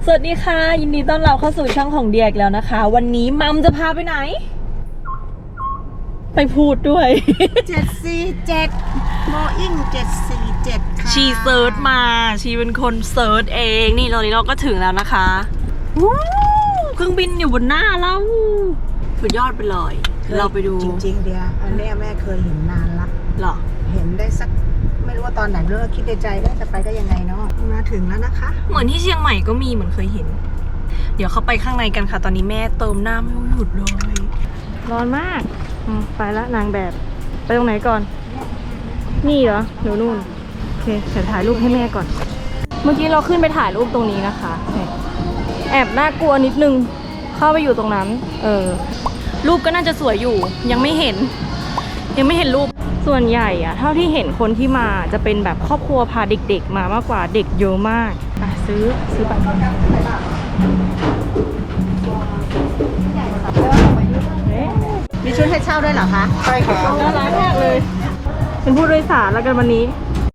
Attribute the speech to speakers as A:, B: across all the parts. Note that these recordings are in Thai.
A: สวัสดีค่ะยินดีต้อนรับเข้าสู่ช่องของเดียกแล้วนะคะวันนี้มัมจะพาไปไหนไปพูดด้วย
B: 747 Boeing 747ค่ะ
A: ชีเซิร์ชมาชีเป็นคนเซิร์ชเองนี่ตอนนี้เราก็ถึงแล้วนะคะวู้เครื่องบินอยู่บนหน้าเราสุดยอดไปเลยเราไปดู
B: จริงๆเดียอันนี้แม่เคยเห็นนานละ
A: หรอ
B: เห็นได้สักไม่รู้ว่าตอนไหนเลิกคิดในใจได้จะไปได้ยังไงเนาะมาถึงแล้วนะคะ
A: เหมือนที่เชียงใหม่ก็มีเหมือนเคยเห็นเดี๋ยวเข้าไปข้างในกันค่ะตอนนี้แม่เติมน้ำไม่หยุดเลยร้อนมากไปละนางแบบไปตรงไหนก่อนนี่เหรอหนูนู่นโอเคเดี๋ยวถ่ายรูปให้แม่ก่อนเมื่อกี้เราขึ้นไปถ่ายรูปตรงนี้นะคะแอบน่ากลัวนิดนึงเข้าไปอยู่ตรงนั้นรูปก็น่าจะสวยอยู่ยังไม่เห็นรูปส่วนใหญ่อะเท่าที่เห็นคนที่มาจะเป็นแบบครอบครัวพาเด็กๆมามากกว่าเด็กเยอะมากซื้อไป
B: มีชุดให้เช่าด้วยเหรอคะใช่ค่ะ
A: น่ารักมากเลยเป็นผู้โดยสารแล้วกันวันนี้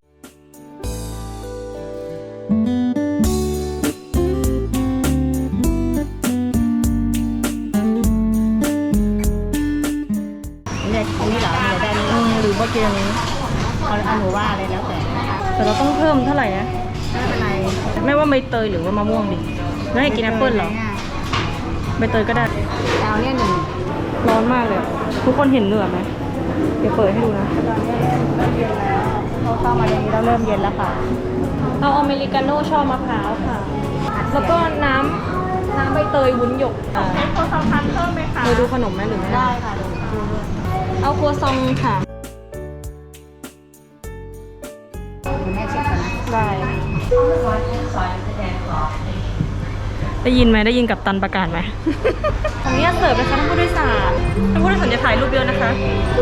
B: เนี่ยอันนี้เหรอเนี่ยได้นี่
A: หรือว่าเกมนี้
B: เอาหนูว่าเลยแล้ว
A: แต่เราต้องเพิ่มเท่าไหร่นะ
B: ไม่เป็นไร
A: ไม่ว่าใบเตยหรือว่ามะม่วงดิแล้วให้กินแอปเปิ้ลเหรอใบเตยก็ได้
B: เอาเนี่ยหนึ่ง
A: ร้อนมากเลยทุกคนเห็นเหนือไหมเดี๋ยวเปิดให้ดูนะ
B: ตอนนี้เริ่มเย็นแล้วเขาเข้ามาในนี้แล้วเริ่มเย็นแล้วค่ะ
A: เอาอเมริกาโน่ชอบมะพร้าวค่ะแล้วก็น้ำใบเตยวุ้นหยก
B: ใช้โคซองพันเพิ่มไหมคะ
A: ดูขนมไหมหรือไม่
B: ได้ค่ะ
A: เอาครัวซองค่ะ
B: แม่เช็คก่อนนะ
A: ได้ยินไหมได้ยินกับตันประกาศไหมของนี้เสิร์ฟนะคะท่านผู้โดยสารจะถ่ายรูปเยอะนะคะ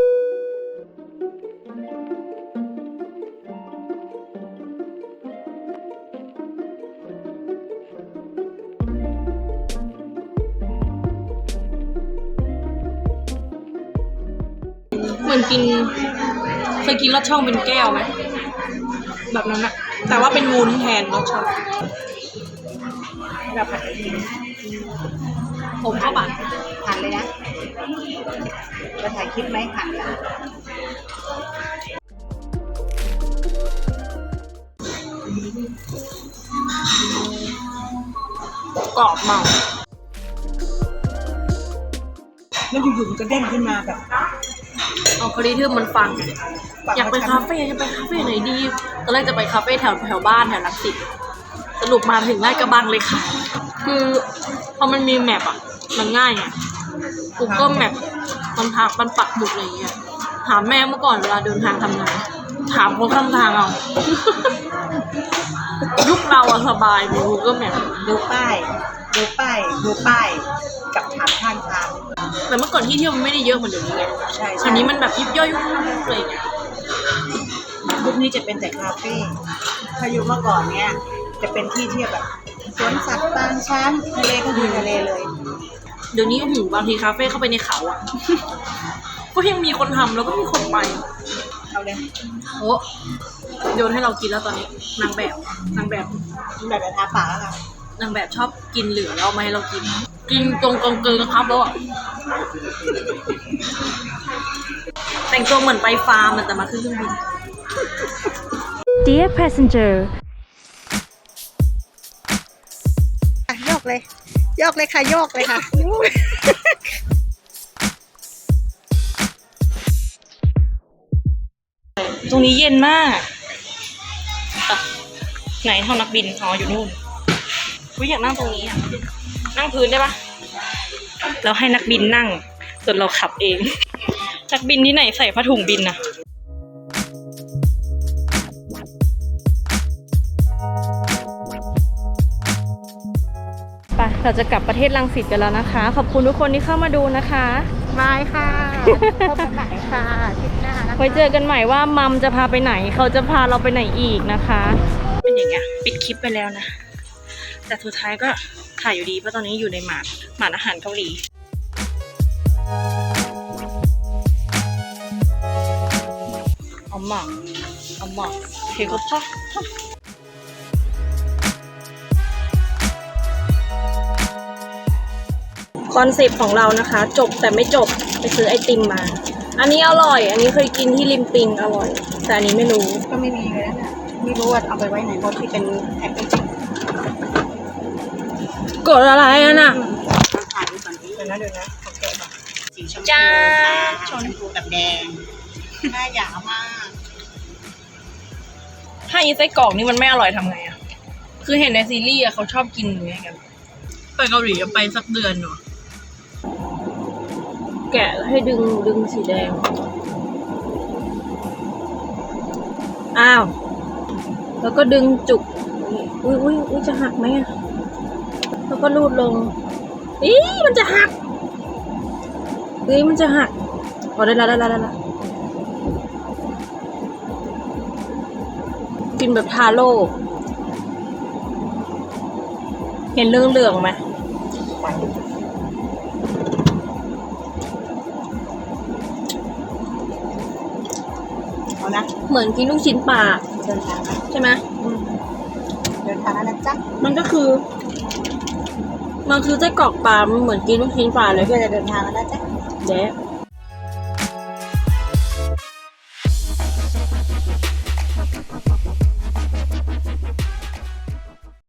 A: เหมือนเคยกินลอดช่องเป็นแก้วไหมแบบนั้นอะแต่ว่าเป็นวุ้นแทนลอดช่อง
B: แบบผัด
A: ผมเข้าปาก
B: ผัดเลยนะจะถ่ายคลิปไหมผัดเลย
A: กรอบมาก
B: แล้วอยู่ๆมันก็เด้งขึ้นมาแบบ
A: เอาคดีที่มันฟังอยากไปคาเฟ่ไหนดีตอนแรกจะไปคาเฟ่แถวบ้านแถวรังสิตสรุปมาถึงลาดกระบังเลยค่ะคือพอมันมีแมปอ่ะมันง่ายไง Google Map มันปักหมุดอะไรอย่างเงี้ยถามแม่เมื่อก่อนเวลาเดินทางทำไงถามคนข้างทางเอา ยุคเราอะสบายมี Google Map
B: ดูป้ายกับถามข้างทาง
A: แต่เมื่อก่อนที่เที่ยวมันไม่ได้เยอะเหมือนเดี๋ยวนี้ไง
B: ใช่
A: คราวนี้มันแบบยิบย่อยอะไรอย่างเงี้ย
B: ยุคนี้จะเป็นแต่คาเฟ่ถ้ายุคเมื่อก่อนเนี้ยจะเป็นที่เที่ยวแบบสวนสัตว์ปางช้างทะเลก็คือทะเลเลย
A: เดี๋ยวนี้โอ้โหบางทีคาเฟ่เข้าไปในเขาอ่ะ ก็ยังมีคนทำแล้วก็มีคนไป
B: เอาเลย
A: โอ้โยนให้เรากินแล้วตอนนี้นางแบบ
B: ทาปากแล้วค่ะ
A: นางแบบชอบกินเหลือแล้วเอามาให้เรากินตรงกองเกินครับแล้วอ่ะแต่งตัวเหมือนไปฟาร์มแต่มาขึ้นเครื่องบิน Dear passenger
B: โยกเลยค่ะโยกเลยค่ะ
A: ตรงนี้เย็นมากไหนห้องนักบินอยู่นู่นอยากนั่งตรงนี้อ่ะนั่งพื้นได้ปะเราให้นักบินนั่งส่วนเราขับเองนักบินที่ไหนใส่ผ้าถุงบินน่ะไปเราจะกลับประเทศรังสิตกันแล้วนะคะขอบคุณทุกคนที่เข้ามาดูนะคะ
B: บายค่ะพบกันใหม่ค่ะทริปหน้านะคะ
A: ไว้เจอกันใหม่ว่ามัมจะพาไปไหนเขาจะพาเราไปไหนอีกนะคะเป็นอย่างเงี้ยปิดคลิปไปแล้วนะแต่สุดท้ายก็ถ่ายอยู่ดีเพราะตอนนี้อยู่ในหมาดอาหารเกาหลี엄마 배고파? คอนเซปต์ของเรานะคะ จบแต่ไม่จบไปซื้อไอติมมา อันนี้อร่อย อันนี้เคยกินที่ริมปิงอร่อย แต่อันนี้ไม่รู้
B: ก็ไม่มีเลยนะไม่รู้ว่าเอาไปไว้ไหนเพราะที่เป็นแพ็คเกจจิ้ง
A: กดอะไรอ่ะน่ะ
B: มาถ่ายดูก่อนที่เดี๋ยวนะขอแกะก่อนสีชมพู
A: จ้า
B: ชมพูกับแดงหน้าหยามาก
A: ถ้าอีไส้กรอกนี่มันไม่อร่อยทำไงอ่ะ คือเห็นในซีรีส์อะเขาชอบกินอย่างเงี้ยกัน ไปเกาหลีไปสักเดือนหนูแกะให้ดึงสีแดง อ้าว แล้วก็ดึงจุก อุ้ยจะหักไหมอะแล้วก็รูดลง อีมันจะหักมันจะหักพอได้ละกินแบบทาโร่เห็นเรื่องไหม
B: เอานะ
A: เหมือนกินลูกชิ้นปลา
B: เดินทางนะ
A: ใช่ไหม
B: เดินทางแล้วนะจ๊ะ
A: มันคือไส้กรอกปลามันเหมือนกินลูกชิ้นปลาเลย
B: เพื่อจะเดินทางแล้วนะจ๊ะ
A: เจ๊